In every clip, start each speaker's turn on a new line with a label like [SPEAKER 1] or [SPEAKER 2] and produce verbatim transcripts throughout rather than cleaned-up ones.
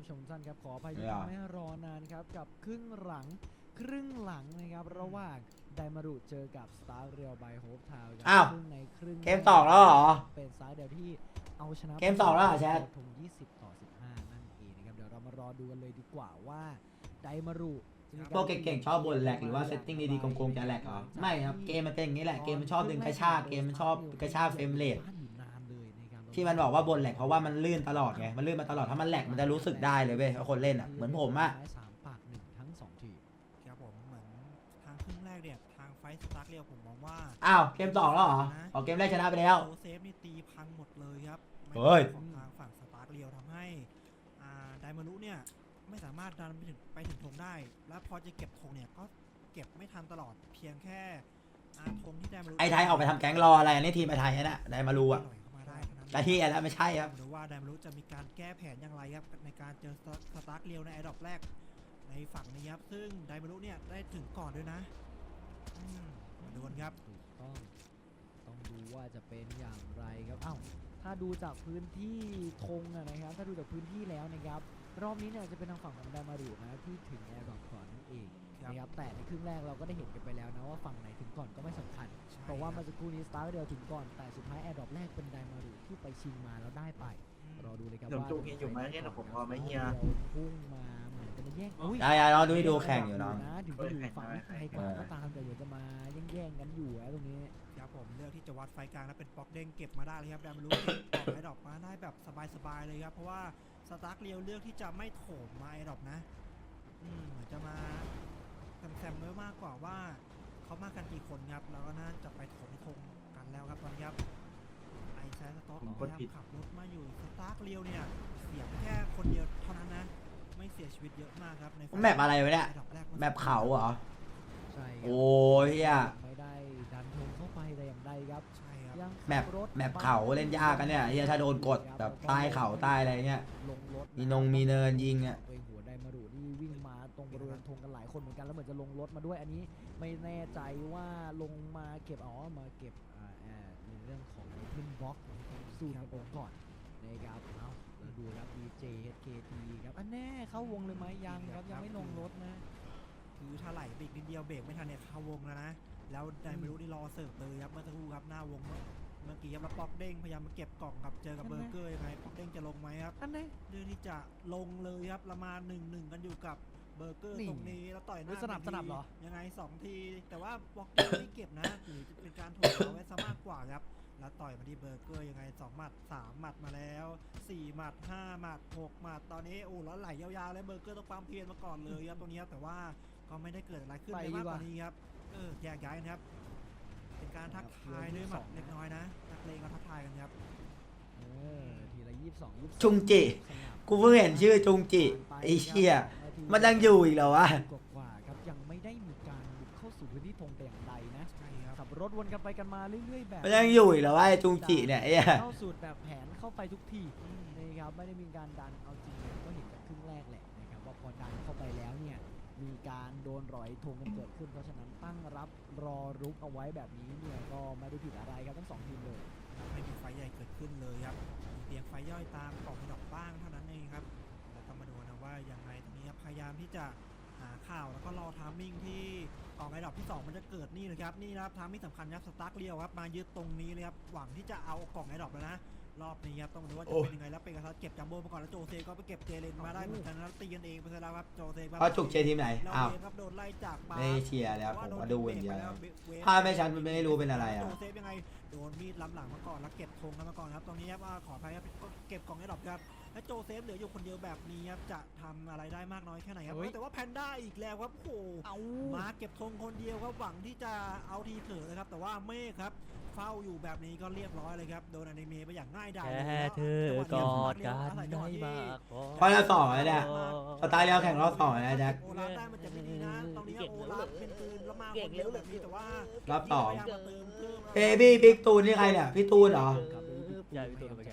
[SPEAKER 1] ผู้ชมทุกท่านครับขออภัยที่ทำให้รอนานครับกับครึ่งหลังครึ่งหลังนะครับระหว่างไดมารุเจอกับสตาร์เรียลไบโฮปทาวน์ครับซึ่งในครึ่ง
[SPEAKER 2] เกมสองแล้วเหรอ
[SPEAKER 1] เป็นสตาร์เดียวที่เอาชนะ
[SPEAKER 2] เกมสองแล้วเหรอแชท
[SPEAKER 1] ทงยี่สิบต่อสิบห้านั่นเองนะครับเดี๋ยวเรามารอดูกันเลยดีกว่าว่าไดมารุ
[SPEAKER 2] พวกเก่งๆชอบบนแหลกหรือว่าเซตติ้งดีๆโกงๆจะแหลกเหรอไม่ครับเกมมันเป็นอย่างนี้แหละเกมมันชอบดึงกระชากเกมมันชอบกระชากเฟรมเรทที่มันบอกว่าบนแหลกเพราะว่ามันลื่นตลอดไงมันลื่นมาตลอดถ้ามันแหลกมันจะรู้สึกได้เลยเว้ยคนเล่นอ่ะเหมือนผมอ่ะ
[SPEAKER 1] สามปากหนึ่งทั้งสองทีม
[SPEAKER 3] ครับผมเหมือนทางครึ่งแรกเนี่ยทางไฟสตาร์เรียวผมมองว่า
[SPEAKER 2] อ้าวเกมสองแล้วเหรอออกเกมแรกชนะไปแล้ว
[SPEAKER 3] โซเซฟนี่ตีพังหมดเลยครับ
[SPEAKER 2] เฮ้ย
[SPEAKER 3] ของทางฝั่งสตาร์เรียวทำให้อ่าไดมารุเนี่ยไม่สามารถดันไปถึงไปถึงธงได้แล้วพอจะเก็บธงเนี่ยก็เก็บไม่ทันตลอดเพียงแค่อาธงที่ไดมารุ
[SPEAKER 2] ไอ้ไทยออกไปทำแก๊งรออะไรอันนี้ทีมไอ้ไทยนะไดมารูอ่ะแต่ที่แล้วไม่ใช่ครับ
[SPEAKER 3] หรือว่าไดมารุจะมีการแก้แผนอย่างไรครับในการเจอสตาร์เรียวในไอดอปแรกในฝั่งนี้ครับซึ่งไดมารุเนี่ยได้ถึงก่อนด้วยนะมาดูกันครับ
[SPEAKER 1] ถูกต้องต้องดูว่าจะเป็นอย่างไรครับอ้าวถ้าดูจากพื้นที่ธงนะครับถ้าดูจากพื้นที่แล้วนะครับรอบนี้เนี่ยจะเป็นทางฝั่งของไดมารุนะที่ถึงแอร์ดรอปก่อนนั่นเองนะครับแต่ในครึ่งแรกเราก็ได้เห็นกันไปแล้วนะว่าฝั่งไหนถึงก่อนก็ไม่สำคัญเพราะว่าเมื่อสักครู่นี้สตาร์เดียวถึงก่อนแต่สุดท้ายแอร์ดรอปแรกเป็นไดมารุที่ไปชิงมาแล้วได้ไปรอดูเลยครับว่า
[SPEAKER 4] จุกอยู่ไหมเนี่ยผมพอไม่เฮีย
[SPEAKER 1] พุ่งมาเหมือนจะมาแย่ง
[SPEAKER 2] ได้ๆรอดูดูแข่งอยู่น้อง
[SPEAKER 1] นะถึงจะอยู่ฝั่งไทยกว่าก็ตามแต่เดี๋ยวจะมาแย่งๆกันอยู่แล้วตรงนี้
[SPEAKER 3] ครับผมเลือกที่จะวัดไฟกลางแล้วเป็นป๊อกเด้งเก็บมาได้เลยครับไดมารุเก็บออกไอดรอปมาได้แบบสบายๆเลยครับเพราะว่าสตาร์เรียวเลือกที่จะไม่โถมมาไอดรอปนะอืมเหมือนจะมาแซมๆไว้มากกว่าว่าเขามากันกี่คนครับแล้วก็น่าจะไปโถมธงกันแล้วครับตอนนี้ครับไอแซนสต็อกพยายามขับรถมาอยู่สตาร์เรียวเนี่ยเสียแค่คนเดียวเท่านั้นนะไม่เสียชีวิตเยอะมากครับใน
[SPEAKER 2] แมปอะไรวะเนี่ยแมปเขาเหรอ
[SPEAKER 1] ใช่
[SPEAKER 2] โอ้ยอ่ะ
[SPEAKER 1] ไม่ได้ดันธงเข้าไปแต่อย่างใดครับ
[SPEAKER 3] ใช่ครับ
[SPEAKER 2] แมปแมปเขาเล่นยากกันเนี่ยเฮียถ้าโดนกดแบบใต้เขาใต้อะไรเงี้ยมีนงมีเนินยิงอ่ะ
[SPEAKER 1] หัวไดมารุนี่วิ่งมาตรงบริเวณธงกันหลายคนเหมือนกันแล้วเหมือนจะลงรถมาด้วยอันนี้ไม่แน่ใจว่าลงมาเก็บอ๋อมาเก็บในเรื่องของพินบล็อกสู้กันไปก่อนนะครับเอาเราดูครับ ดี เจ เอช เค ที ครับอันแน่เข้าวงเลยไหมยังครับยังไม่ลงรถนะ
[SPEAKER 3] คือถ้าไหลเบรกนิดเดียวเบรกไม่ทันเนี่ยเข้าวงแล้วนะแล้วไดมารุนี่รอเสิร์ฟเลยครับเมื่อสักครู่ครับหน้าวงเมื่อกี้ครับแล้วป๊อกเด้งพยายามมาเก็บกล่องครับเจอกับเบอร์เกอร์ยังไงป๊อกเด้งจะลงไหมครับ
[SPEAKER 1] อันไหน
[SPEAKER 3] เรื่องที่จะลงเลยครับละมาหนึ่งหนึ่งกันอยู่กับเบอร์เกอร์ตรงนี้แล้วต่อยหน้า
[SPEAKER 1] สนับสนับเหรอ
[SPEAKER 3] ยังไงสองทีแต่ว่าป๊อกเด้งไม่เก็บนะหรือจะเป็นการถูกเอาไว้ซะมากกว่าครับแล้วต่อยมาที่เบอร์เกอร์ยังไงสองหมัดสามหมัดมาแล้วสี่หมัดห้าหมัดหกหมัดตอนนี้โอ้แล้วไหลยาวๆเลยเบอร์เกอร์ต้องปั๊มเพียนมาก่อนเลยครับตรงนี้แต่ว่าก็ไม่ได้เกิดอะไรขึ้นเลยมากกว่านี้ครับเออแยกย้ายกันครับเป็นการทักทายด้วยหมัดเล็กน้อยนะนักเลงก็ทักทายกันครับ
[SPEAKER 1] เออทีละยี่สิบสองยี่สิบ
[SPEAKER 2] จุงจิกูเพิ่งเห็นชื่อจุงจิไอ้เชี่ยมันยังอยู่อีกเหรอวะ
[SPEAKER 1] กว่าครับยังไม่ได้มีการบุกเข้าสู่พื้นที่ธงแต่อย่างใดนะขับรถวนกันไปกันมาเรื่อยๆแบบ
[SPEAKER 2] มันยังอยู่อีกเหรอวะไอ้จุงจิเนี่ยไอ้
[SPEAKER 1] เข้าสูตรแบบแผนเข้าไปทุกทีนะครับไม่ได้มีการดันเอาจริงก็เห็นจากครึ่งแรกแหละนะครับว่าพอดันเข้าไปแล้วเนี่ยมีการโดนรอยธงกันเกิดขึ้นเพราะฉะนั้นตั้งรับรอรุกเอาไว้แบบนี้เนี่ยก็ไม่ได้ผิดอะไรครับทั้งสองทีมเลย
[SPEAKER 3] ไม่มีไฟใหญ่เกิดขึ้นเลยครับมีเพียงไฟย่อยตามกล่องดอกบ้างเท่านั้นเองครับแล้วก็มาดูนะว่าอย่างไรตรงนี้พยายามที่จะหาข่าวแล้วก็รอทามมิ่งที่กล่องไอดอปที่สองมันจะเกิดนี่เลยครับนี่นะครับทามมิ่งสำคัญครับสตาร์เรียวครับมายึดตรงนี้เลยครับหวังที่จะเอากล่องไอดอปแล้วนะรอบนี้ครับต้องดูว่าจะเป็นยังไงแล้วเป็นกระทัดเก็บจัมโบ้มาก่อนแล้วโจเซก็ไปเก็บเจเลนมาได้เหมือนกันแล้วตีกันเองไปซะแล้วครับโจเซ
[SPEAKER 2] เขาจุกเชียร์ทีมไหนอ้าว
[SPEAKER 3] ครับโดนไล่จาก
[SPEAKER 2] ไม่เชียร์แล้วผมมาดูอย่างเดียวภาพไม่ชัดมันไม่รู้เป็นอะไรอ่ะ
[SPEAKER 3] โจเซยังไงโดนมีดล้ำหลังมาก่อนแล้วเก็บธงกันมาก่อนครับตรงนี้ครับขออภัยครับเก็บกล่องไอดอปครับและโจเซฟเหลืออยู่คนเดียวแบบนี้ครับจะทำอะไรได้มากน้อยแค่ไหนครับแต่ว่าแพนด้าอีกแล้วครับโอ้มาเก็บธงคนเดียวครับหวังที่จะเอาทีเถอะนะครับแต่ว่าเมฆครับเฝ้าอยู่แบบนี้ก็เรียบร้อยเลยครับโดนอนิเมะไปอย่างง่ายดาย
[SPEAKER 1] แค่เธอกอดกันได้มาก
[SPEAKER 2] พอเราสองเลยเนี่ยสไตล์เราแข่งรอบสองนะแจ็ค
[SPEAKER 3] โอลาฟได้มันจะไม่ดีนะตรงนี้โอลาฟเป็นปืนแล้วมาคนเดียวแบบนี้แต่ว่าร
[SPEAKER 2] อบสองเบบี้บิ๊กตูนนี่ใครเนี่ยพี่ตูนเหรอ
[SPEAKER 1] ใช่พี่ตูนไปแข่งครับ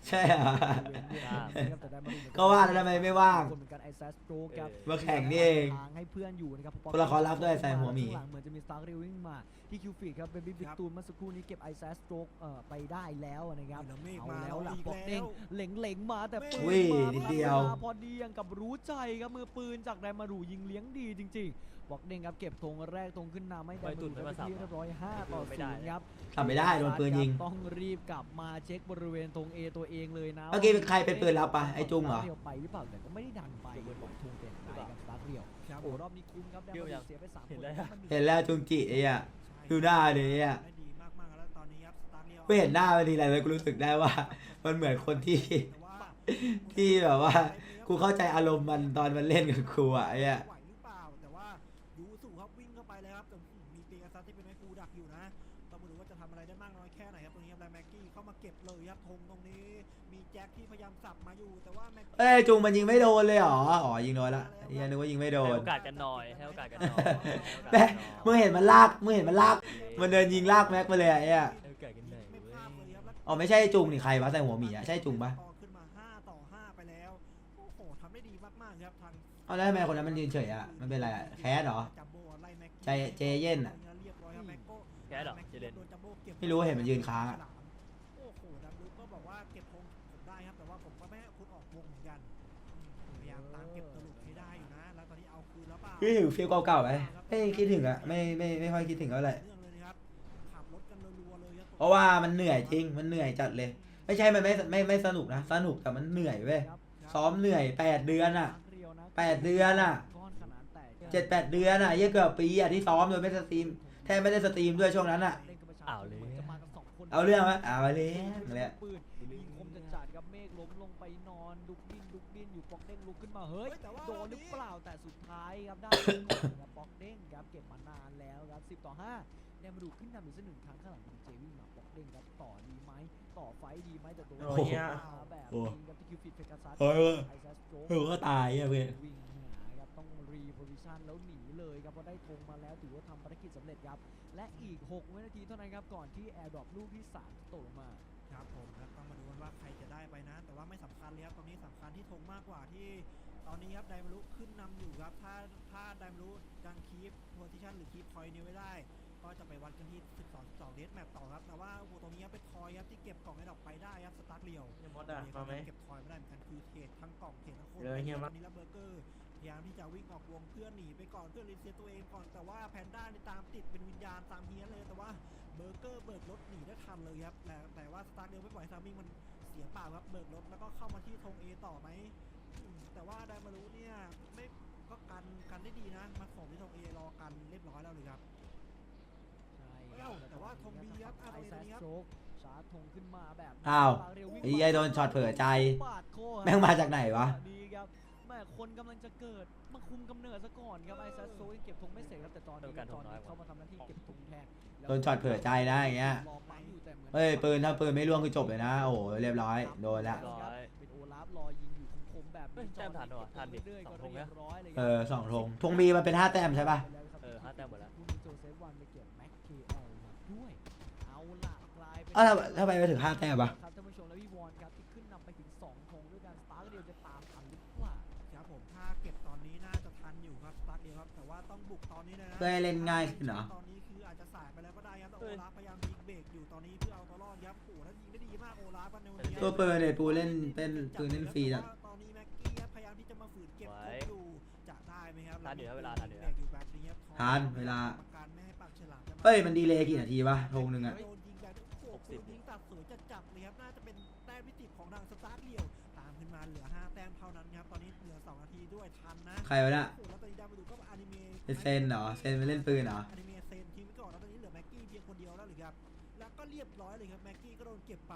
[SPEAKER 2] ใช่เหรอ
[SPEAKER 1] นะครับแต่ได้มาดูเหมือนน
[SPEAKER 2] ก็ว่าแล้วทำไมไม่ว่าง
[SPEAKER 1] คนเหมือนกันไอแซสโตรกครับ
[SPEAKER 2] มาแข่งนี่เอง
[SPEAKER 1] ทางให้เพื่อนอยู่นะครับ
[SPEAKER 2] ตัวละครลับด้วยใส่หัวหมี
[SPEAKER 1] ข้างลังเหมือนจะมีสตาร์ริววิ่งมาที่คิวฟีดครับเบบี้บิ๊กตูนเมื่อสักครู่นี้เก็บไอแซสโตรกเอ่อไปได้แล้วนะครับ
[SPEAKER 3] แล้วเมฆ
[SPEAKER 1] เอา
[SPEAKER 3] มา
[SPEAKER 1] แล้วล่ะ
[SPEAKER 3] อีก
[SPEAKER 1] บอกเด้ง
[SPEAKER 3] แล้ว
[SPEAKER 1] เหล็งเหล็งๆมาแต่ปื
[SPEAKER 2] อุ้
[SPEAKER 1] น
[SPEAKER 2] ย
[SPEAKER 1] มา
[SPEAKER 2] นิดเดียว
[SPEAKER 1] พอดียังกับรู้ใจครับมือปืนจากไดมารูยิงเลี้ยงดีจริงๆบอกเด้งครับเก็บธงแรกธงขึ้นนำให้ไดมารูได้เป็นที่เรียบร้อยห้าต่อศูนย์ครับ
[SPEAKER 2] ทำไม่ได้โดนปืนยิง
[SPEAKER 1] ต้องรีบกลับมาเช็คบริเวณธง A ตัวเองเลยนะ
[SPEAKER 2] เมื่อกี้เป็นใครเป็นปืนลับปะไอ้จุ้งเหรอ
[SPEAKER 1] เดียวไปหรือเปล่าแต่ก็ไม่ได้ดันไปบอกธงเป็นไปกับสตาร์ทเรียว
[SPEAKER 3] ครับ
[SPEAKER 1] โอ้รอบนี้คุ้มครับได้มาเสียไปสามคน
[SPEAKER 2] เห็นแล้วจุงจิไอ้อะ ดูหน้าดิอ่ะ
[SPEAKER 3] ได้ดีมากๆแล้วตอนนี้ครับสตาร์เรียว
[SPEAKER 2] ไม่เห็นหน้ามันทีไรเลยกูรู้สึกได้ว่า มันเหมือนคนที่
[SPEAKER 3] แต่ว่า
[SPEAKER 2] ที่แบบว่า กูเข้าใจอารมณ์มันตอนมันเล่นกับกูอะไอ้อะ
[SPEAKER 3] ไหวหรือเปล่าแต่ว่ายูสุครับวิ่งเข้าไปเลยครับแต่มีเปียซัสที่เป็นไม้ฟูดักอยู่นะต้องมาดูว่าจะทำอะไรได้มากน้อยแค่ไหนครับตรงนี้ครับแบล็กกี้เข้ามาเก็บเลยครับธงตรงนี้มีแจ็คที่พยายามสับมาอยู่แต่ว่าแม็กกี้
[SPEAKER 2] เอ้ยจุงมันยิงไม่โดนเลยเหรอ อ๋อยิงโดนละไอ้เหี้ยังนึกว่ายิงไม่โด
[SPEAKER 5] ให้
[SPEAKER 2] น
[SPEAKER 5] โอกาสกันหน่อยให้โอกาสกันหน่อย
[SPEAKER 2] แม่มึงเห็นมันลาก มึงเห็นมันลาก มันเดินยิงลากแม็กไปเลยอะไอ้อะ
[SPEAKER 5] ให้โอกาสกันหน่อย
[SPEAKER 3] ไม่
[SPEAKER 5] เว้
[SPEAKER 3] พลาดเลย
[SPEAKER 5] ย
[SPEAKER 3] ครับแล้ว
[SPEAKER 2] อ๋อไม่ใช่จุงนี่ใครวะใส่หัวหมีอะใช่จุงปะ
[SPEAKER 3] ต่อขึ้นมาห้าต่อห้าไปแล้วโอ้โหทำได้ดีมากๆครับทาง
[SPEAKER 2] เอาแล้วทำไมคนนั้นมันยืนเฉยอะมันเป็นอะไรอะแคสเหรอ
[SPEAKER 3] จัมโบ้ไล่แม็กกี้
[SPEAKER 2] ใจเจเย็นอะ
[SPEAKER 3] เรียบร้อยครับแม็กโก้
[SPEAKER 5] แกเหรอเจเลน
[SPEAKER 3] โดนจัมโบ้เก็บ
[SPEAKER 2] ไม่รู้เห็นมันยืนค้างอะ
[SPEAKER 3] โอ้โหดับลูก็บอกว่าเก็บธงผมได้ครับแต่ว่าผมก็ไม่ให้คุณออกวงเหมือนกันอืมพยายามตามเก็บตลุกให้ได้อยู่นะแล้วตอนนี้เอาคืนแล้วเปล่า
[SPEAKER 2] คิดถึงฟีลเก่าๆไหมไม่คิดถึงอะไม่ไม่ไม่ค่อยคิดถึงเท่าไหร่
[SPEAKER 3] เรื่องเลยนะครับขับรถกันรัวๆเลยครับ
[SPEAKER 2] เพราะว่ามันเหนื่อยจริง มันเหนื่อยจัดเลย ไม่ใช่ มันไม่ไม่ไม่สนุกนะ สนุกแต่มันเหนื่อยเว้ย ซ้อมเหนื่อยแปดเดือนอะแปดเดือนอะ เจ็ดแปดเดือนอะเยอะเกือบปีอะที่ซ้อมโดยไม่สตรีม แทบไม่ได้สตรีมด้วยช่วงนั้นอะ
[SPEAKER 5] อ้าวเลย
[SPEAKER 2] เอาเรื่องไหมเอาไปเลยเลย
[SPEAKER 1] ปืนยิงคมจะจัดกับเมฆล้มลงไปนอนดุกดิ้นดุกดิ้นอยู่ปอกเด้งลุกขึ้นมาเฮ้ยโดนหรือเปล่าแต่สุดท้ายครับได้ก่อนครับปอกเด้งครับเก็บมานานแล้วครับสิบต่อห้าได้มาดูขึ้นนำอีกสักหนึ่งครั้งข้างหลังของเจวิ่งมาปอกเด้งครับต่อดีไหมต่อไฟดีไหมแต่ตัว
[SPEAKER 4] โอ้ยเนี่ย
[SPEAKER 1] แบบนี้ครับที่คิวฟิตเพกัสซัส
[SPEAKER 2] โอ้ย
[SPEAKER 1] ไอซัสโจ๊ก
[SPEAKER 2] เออก็ตายอะเพื่อน
[SPEAKER 1] วิ่งหาครับต้องรีโพซิชันแล้วหนีเลยครับเพราะได้ธงมาแล้วถือว่าทำภารกิจสำเร็จครับและอีกหกวินาทีเท่านั้นครับก่อนที่แอร์ดรอปลูกที่สามจะตกลงมา
[SPEAKER 3] ครับผมครับต้องมาดูกันว่าใครจะได้ไปนะ แต่ว่าไม่สำคัญเลยครับตรงนี้สำคัญที่ธงมากกว่าที่ตอนนี้ครับไดมารุขึ้นนำอยู่ครับถ้าถ้าไดมารุยังคีฟโพซิชันหรือคีฟพอยต์นี้ไว้ได้ ก็จะไปวัดกันที่สิบสอง สิบสองเดสแมปต่อครับแต่ว่าโอ้โหตรงนี้ครับเป็นทอยครับที่เก็บกล่องไอ้ดอกไปได้ครับสตาร์ทเรียว
[SPEAKER 4] เฮียมดอะมาไหม
[SPEAKER 3] เก็บทอยไม่ได้เหมือนกันคือเทรดทั้งกล่องเทรดทั้งคน
[SPEAKER 4] เดี๋ยวเฮียมัด
[SPEAKER 3] ตอนนี้แล้วเบอร์เกอร์พยายามที่จะวิ่งออกวงเพื่อหนีไปก่อนเพื่อรีเซ็ตตัวเองก่อนแต่ว่าแพนด้านี่ตามติดเป็นวิญญาณตามเฮียเลยแต่ว่าเบอร์เกอร์เบิกรถหนีได้ทันเลยครับแต่แต่ว่าสตาร์ทเรียวไม่ปล่อยทามมิ่งมันเสียเปล่าครับเบิกรถแล้วก็เข้ามาที่ธง A ต่อไหมอืมแต่ว่าไดมารุเนี่ยไม่ก็กันกันได้ดีนะมาส่งที่ธง A รอกันเรียบร้อยแล้วเลยครับ
[SPEAKER 1] ใช่
[SPEAKER 3] เอ้าแต่ว่าธง B ครับอ่ะ
[SPEAKER 1] ไอ
[SPEAKER 3] ตรงนี้
[SPEAKER 1] แซส
[SPEAKER 3] ครับ
[SPEAKER 1] โจ๊กชาร์จธงขึ้นมาแบบ
[SPEAKER 2] อ้าว
[SPEAKER 1] เร็วิ่ง
[SPEAKER 2] ไอ้เหี้ยโดนช็อตเผลอใจ
[SPEAKER 1] ปาดคอ
[SPEAKER 2] แม่งมาจากไหนวะ
[SPEAKER 1] ดีครับแม่คนกำลังจะเกิดมาคุมกำเนิดซะก่อนครับไอแซสโจ๊กยังเก็บธงไม่เสร็จครับแต่ตอนนี้
[SPEAKER 5] โดนการ
[SPEAKER 1] ตอน
[SPEAKER 5] ธงน้อย
[SPEAKER 1] นี้
[SPEAKER 5] กว่า
[SPEAKER 1] เข้ามาทำหน้าที่เก็บธงแทน
[SPEAKER 2] โดนช็อตเผลอใจนะอย่างเงี้ย
[SPEAKER 1] รอปั๊มอยู่แต่หมือน
[SPEAKER 2] เฮ้ยปืนถ้าปืนไม่ร่วงคือจบเลยนะ โอ้โหเรียบร้อย โดนละ
[SPEAKER 5] เรียบร้อย
[SPEAKER 1] เป็นโอลาฟรอยิงอยู่คมๆแบบ
[SPEAKER 5] เฮ้ยแต้มทันเหรอทันดิ
[SPEAKER 1] เรื่อยๆ
[SPEAKER 5] ส
[SPEAKER 1] ก็
[SPEAKER 5] องธง
[SPEAKER 1] เรีย
[SPEAKER 5] นะ
[SPEAKER 1] บร้อยเลยค
[SPEAKER 2] เอ
[SPEAKER 1] รับ
[SPEAKER 2] อสองธงธงมีมันเป็นห้าแต้มใช่ปะ
[SPEAKER 5] เออห้าแต้มหมดแล้ว
[SPEAKER 1] คุณโจเซฟวันไปเก็บแม็กเคเอลมาด้วยเอาล่ะกลายเป็น
[SPEAKER 2] อ้าวทำไมทำไมไปถึงห้าแต้มวะ
[SPEAKER 1] ครับท่านผู้ชมและพี่วอนครับที่ขึ้นนำไปถึงสองธงด้วยกันสตาร์เดียวจะตามทันหรือเปล่า
[SPEAKER 3] ครับผมถ้าเก็บตอนนี้น่าจะทันอยู่ครับสตาร์ทเดียวครับแต่ว่าต้องบุกตอนนี้เลยนะ
[SPEAKER 2] เพื่อให้เล่นง่ายขึ้นเหรอ
[SPEAKER 3] ตอนนี้คืออาจจะสายไปแล้วก็ได้ครับแต่
[SPEAKER 5] เฮ้
[SPEAKER 3] โอย ลาฟพยายามยิงเบรกอยู่ตอนนี้เพื่อเอาตัวรอดครับโอ้โหแล้วยิงได้ดีมากโอลาฟกันในวันนี้
[SPEAKER 2] ตัวปืนเนี่ยปูเล่นเป็นปืนเล่นฟรีอะ
[SPEAKER 3] ตอนนี้แม็กกี้ครับพยายามที่จะมาฝืนเก็บ
[SPEAKER 5] ไว้
[SPEAKER 3] ธงอยู่จะได้ไหมครับ
[SPEAKER 5] ทันอยู่ครับเวลาทันอยู่
[SPEAKER 3] เบรกอยู่แบบนี้ครับ
[SPEAKER 2] ทันเวลา
[SPEAKER 3] กรรมการไม่ให้ปากฉลามจะมา
[SPEAKER 2] เฮ้ยมันดีเลย์กี่นาทีวะธงหนึ่งอะ
[SPEAKER 3] โดนยิงแบบโอ้โหปืนยิงตัดสวยจัดจับเลยครับน่าจะเป็นแต้มพิติของทางสตาร์ทเดียวตามขึ้นมาเหลือห้าแต้มเท่านั้นครับตอนนี้เหลือสองนาทีด้วยทันนะ
[SPEAKER 2] ใครวะเนี่ย
[SPEAKER 3] โอ้โหแล้วตอนนี้ดาวมาดูก็อนิเมะ
[SPEAKER 2] เป็นเซนเหรอเซนไปเล่นปืนเหรอ
[SPEAKER 3] อนิเมะเซนทีมไว้ก่อนแล้วตอนนี้เหลือแม็กกี้เพียงคนเดียวแล้วหรือครับแล้วก็เรียบร้อยเลยครับแม็กกี้ก็โดนเก็บไป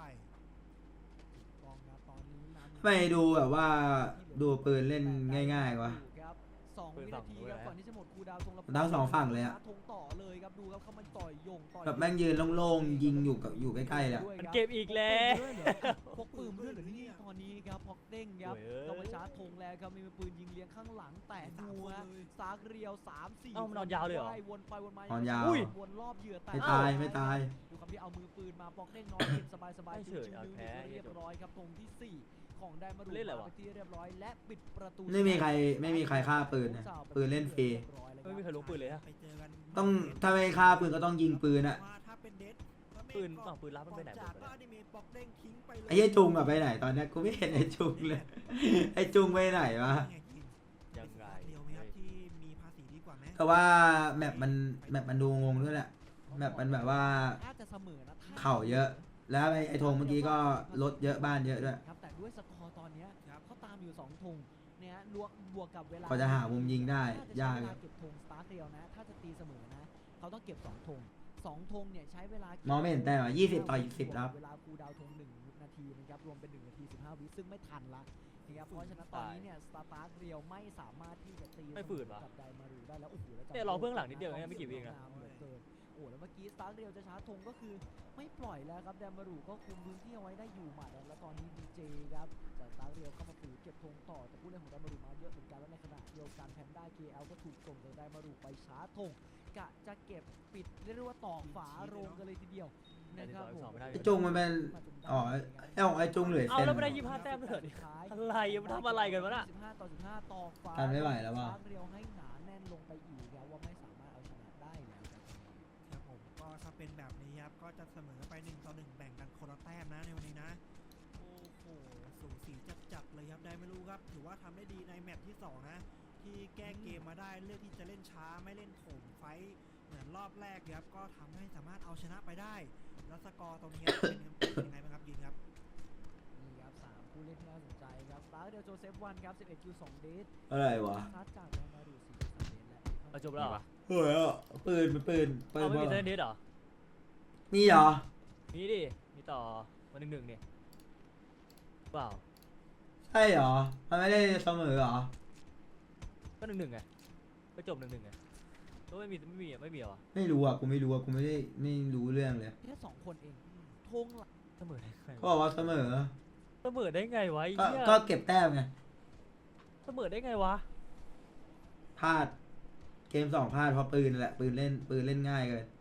[SPEAKER 1] กองครับตอนนี้นำ
[SPEAKER 2] ไม่ดูแบบว่าดูปืนเล่นง่ายๆวะ
[SPEAKER 1] ครับสอง
[SPEAKER 5] ปืน
[SPEAKER 1] วิ
[SPEAKER 5] ฝั่
[SPEAKER 1] นาง ที
[SPEAKER 5] นู้น
[SPEAKER 1] ครับ
[SPEAKER 5] เลย
[SPEAKER 1] ก่อนที่จะหมดคูลดาวน์ธงแล้ว
[SPEAKER 2] ทั้งสองฝั่งเลยอะ
[SPEAKER 1] ธงต่อเลยครับดูครับเขามันต่อยยงต่อย
[SPEAKER 2] แบบแม่งยืนโล่งๆยิงอยู่กับอยู่ใกล้ๆเลยอะ
[SPEAKER 1] ด้วย
[SPEAKER 5] มัน
[SPEAKER 1] ครับ
[SPEAKER 5] เก็บอีกแล้ว
[SPEAKER 1] พกปืนด้วยเหรอนี่ตอนนี้ครับพกเด้งครับ
[SPEAKER 5] โอ้ยเอ้ย
[SPEAKER 1] ต้องมาชาร์จธงแล้วครับมีปืนยิงเลี้ยงข้างหลังแต่ดูฮะซากเรียวสามสี่
[SPEAKER 5] เอ้ามันนอนยาวเลยเหรอ
[SPEAKER 1] ว่วนไปวนมาน
[SPEAKER 2] อนยาว
[SPEAKER 1] อุ้วนรอบเหยื่อแต่
[SPEAKER 2] ไม่ตายไม่ตาย
[SPEAKER 1] ดูครับที่เอามือปืนมาปอกเด้งนอนเก็บสบายสบาย
[SPEAKER 5] ไม่
[SPEAKER 1] ๆ
[SPEAKER 5] เฉย
[SPEAKER 1] ชิว
[SPEAKER 5] เอา
[SPEAKER 1] ๆ
[SPEAKER 5] แพ้
[SPEAKER 1] เรียบร้อยครับธงที่สี่ของไดมารู
[SPEAKER 5] เล่นอะไรวะ
[SPEAKER 1] ไปที่เรียบร้อยและปิดประตู
[SPEAKER 2] ไม่มีใครไม่มีใครฆ่าปืนนะปืนเล่นฟรี
[SPEAKER 5] ไม่มีใครรู้ปืนเลยฮะ
[SPEAKER 3] ไปเจอกัน
[SPEAKER 2] ต้องถ้าไม่ฆ่าปืนก็ต้องยิงปืนอะ
[SPEAKER 3] ว่าถ้าเป็นเดด
[SPEAKER 5] ปืนฝั่งปืนรับมันไปไหนหมด
[SPEAKER 3] จาก
[SPEAKER 5] วะ
[SPEAKER 3] ก็
[SPEAKER 5] เนี่ย
[SPEAKER 3] อนิเมะปอกเด้งทิ้งไปเลย
[SPEAKER 2] ไอ้เหี้ยจุงอะไปไหนตอนเนี้ยกูไม่เห็นไอ้จุงเลย ไอ้จุงไปไหนวะ
[SPEAKER 5] ยังไง
[SPEAKER 3] เดียวไหมครับที่มีภาษีดีกว่าไหม
[SPEAKER 2] แต่ว่าแมปมันแมปมันดูงงด้วยแหละแมปมันแบบว่า
[SPEAKER 1] น่าจะเสมอนะถ้
[SPEAKER 2] เข่าเยอะ แล้วไอ้ไอ้ธงเมื่อกี้ก็รถเยอะบ้านเยอะด้วย
[SPEAKER 1] ครับแต่ด้วยสกอร์ตอนเนี้ยเขาตามอยู่สองธงเนี่ยรวมบวกกับเวลา
[SPEAKER 2] กว่าจะหามุมยิงได้
[SPEAKER 1] น่จะใช้
[SPEAKER 2] ยาก
[SPEAKER 1] เวลาเก็บธงสตาร์ทเดียวนะ ถ้าจะตีเสมอนะ เขาต้องเก็บสองธงสองธงเนี่ยใช้เวลาม
[SPEAKER 2] องไม่เห็นแต้มอะยี่สิบต่อสิบครับ
[SPEAKER 1] เวลาคูลดาวน์ธงหนึ่งนาทีนะครับรวมเป็นหนึ่งนาทีสิบห้าวิซึ่งไม่ทันละนะครับเพราะฉะนั้นตอนนี้เนี่ยสตาร์ทเรียวไม่สามารถที่จะตี
[SPEAKER 5] ไม่ฝืนวะ
[SPEAKER 1] กับไดมารูได้แล้วโอ้โหแล้วจั
[SPEAKER 5] เนี่ยรอเบื้องหลังนิดเดียวเองไม่กี่วิเองนะ
[SPEAKER 1] เหลือเกินโอ้แล้วเมื่อกี้สตาร์ทเรียวจะชาร์จธงก็คือไม่ปล่อยแล้วครับไดมารูก็คุมพื้นที่เอาไว้ได้อยู่หมัดแล้วตอนนี้ดีเจครับจากสตาร์ทเรียวเข้ามาฝืนเก็บธงต่อแต่ผู้เล่นของไดมารูมาเยอะเหมือนกันแล้วในขณะเดียวกันแพนด้า เค แอล ก็ถูกส่งจากไดมารูไปชาร์จธงกะจะเก็บปิดเรียกว่าตอกฝาโรงกันเลยทีเดียวนะครับผม
[SPEAKER 2] ไอ้จุงมันเป็นอ๋อไอ้ของไอ้จุงเหลือ
[SPEAKER 5] เอา
[SPEAKER 2] เส้น
[SPEAKER 5] แล้วไม่ได้ยี่สิบห้าแต้มเลยเหรอเนี่ยอะไรมันทำอะไรกันวะน่ะ
[SPEAKER 1] สิบห้าต่อสิบห้าต่อฟ้า
[SPEAKER 2] กันไม่ไหวแล้วว่ะ
[SPEAKER 1] เรียวให้หนาแน่นลงไปอีกแล้วว่าไม่สามารถเอาชนะได้แล้วครับ
[SPEAKER 3] ครับผมก็ถ้าเป็นแบบนี้ครับก็จะเสมอไปหนึ่งต่อหนึ่งแบ่งกันคนละแต้มนะในวันนี้นะโอ้โหสูสีจัดๆเลยครับได้ไม่รู้ครับถือว่าทำได้ดีในแมตช์ที่สองนะที่แก้เกมมาได้เลือกที่จะเล่นช้าไม่เล่นโถมไฟท์เหมือนรอบแรกครับก็ทำให้สามารถเอาชนะไปได้แล้วสกอร์ตรงนี้เป็นยังไงบ้างครับยินครับ
[SPEAKER 1] นี่ครับสามผู้เล่นที่น่าสนใจครับสตาร์เดียวโจเซฟวันครับสิบเอ็ดคิวสองเดท
[SPEAKER 2] อะไรวะ
[SPEAKER 1] คัดจากแดนมารูสี่คิวสามเดทและ
[SPEAKER 5] เอาจบแล้วเหรอ
[SPEAKER 2] เฮ้ยอ่ะปืนมันปืนปืน
[SPEAKER 5] เอาไม่มี
[SPEAKER 2] บ
[SPEAKER 5] เซ
[SPEAKER 2] อล
[SPEAKER 5] นนิดเหรอ
[SPEAKER 2] มีเหรอ
[SPEAKER 5] มีดิ มีต่อมาหนึ่งหนึ่งเนี่ยเปล่า
[SPEAKER 2] ใช่เหรอ มันไม่ได้เสมอเหรอ
[SPEAKER 5] ก็หนึ่งหนึ่งไงก็จบหนึ่งหนึ่งไงก็ไม่มีไม่มีอ่ะไม่มีเหรอ
[SPEAKER 2] ไม่รู้อ่ะ กูไม่รู้อ่ะ กูไม่ได้ไม่รู้เรื่องเลย
[SPEAKER 1] แค่สองคนเองธงหลัก
[SPEAKER 5] เสมอได้ไง
[SPEAKER 2] เขาบอกว่าเสมอ
[SPEAKER 5] เสมอได้ไงวะไอ้
[SPEAKER 2] ก็
[SPEAKER 5] เหี้ย
[SPEAKER 2] ก็เก็บแต้มไง
[SPEAKER 5] เสมอได้ไงวะ
[SPEAKER 2] พลาด เกมสองพลาดเพราะปืนนั่นแหละ ปืนเล่น ปืนเล่นง่ายเกิน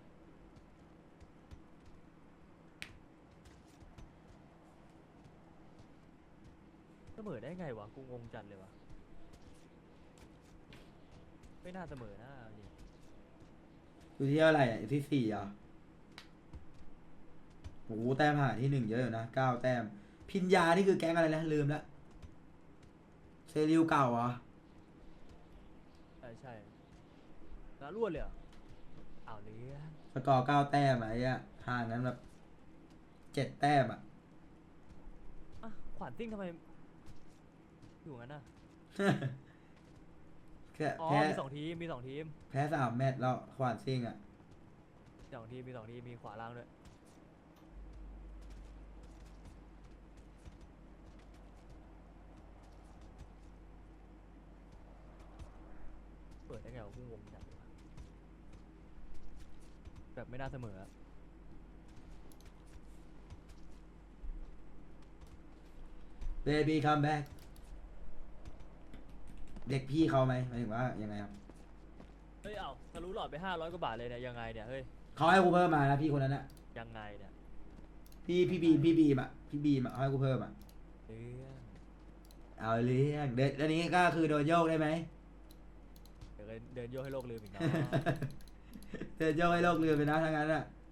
[SPEAKER 5] เสมอได้ไงวะ กูงงจัดเลยวะไม่น่าเสมอนะเอาจริง
[SPEAKER 2] อยู่ที่เท่าไหร่อ่ะอยู่ที่สี่อ่ะโอ้โหแต้มหาที่หนึ่งเยอะอยู่นะเก้าแต้ม พินยานี่คือแก๊งอะไรนะลืมละเซริวเก่าเหรอ
[SPEAKER 5] ใช่ใช่แล้วรวดเลยเหรออ้าวเลี้ยง
[SPEAKER 2] สกอร์เก้าแต้มอะไอ้เนี้ยห่างนั้นแบบเจ็ดแต้มอ่ะ
[SPEAKER 5] อ่ะขวานซิ่งทำไม อยู่งั้นน่ะ
[SPEAKER 2] แค่
[SPEAKER 5] อ๋อ
[SPEAKER 2] แพ้
[SPEAKER 5] มีสองทีม มีสองทีม
[SPEAKER 2] แพ้สามแมตช์แล้วขวานซิงอ่ะ
[SPEAKER 5] สองทีม มีสองทีม มีขวาล่างด้วย เปิดได้ไงวะกูงงจังเลยวะแบบไม่น่าเสมออะ
[SPEAKER 2] เบบี้คัมแบ็กเด็กพี่เขาไหมหมายถึงว่ายังไงครับ
[SPEAKER 5] เฮ้ย เอ้าทะลุหลอดไปห้าร้อยกว่าบาทเลยเนี่ย ยังไงเนี่ย เฮ้ย
[SPEAKER 2] เขาให้กูเพิ่มมานะพี่คนนั้นอะ
[SPEAKER 5] ยังไงเนี่ย
[SPEAKER 2] พี่พี่บีมพี่บีมอะพี่บีมอะเขาให้กูเพิ่มอะ
[SPEAKER 5] เรื่อง
[SPEAKER 2] เอาเรื่องเด็ดอันนี้ก็คือโดนโยกได้ไหม
[SPEAKER 5] เดี๋ยวก็เดินโยกให้โลกลืมอีกเนาะ
[SPEAKER 2] เดินโยกให้โลกเรือไปนะทั้งนั้นอะ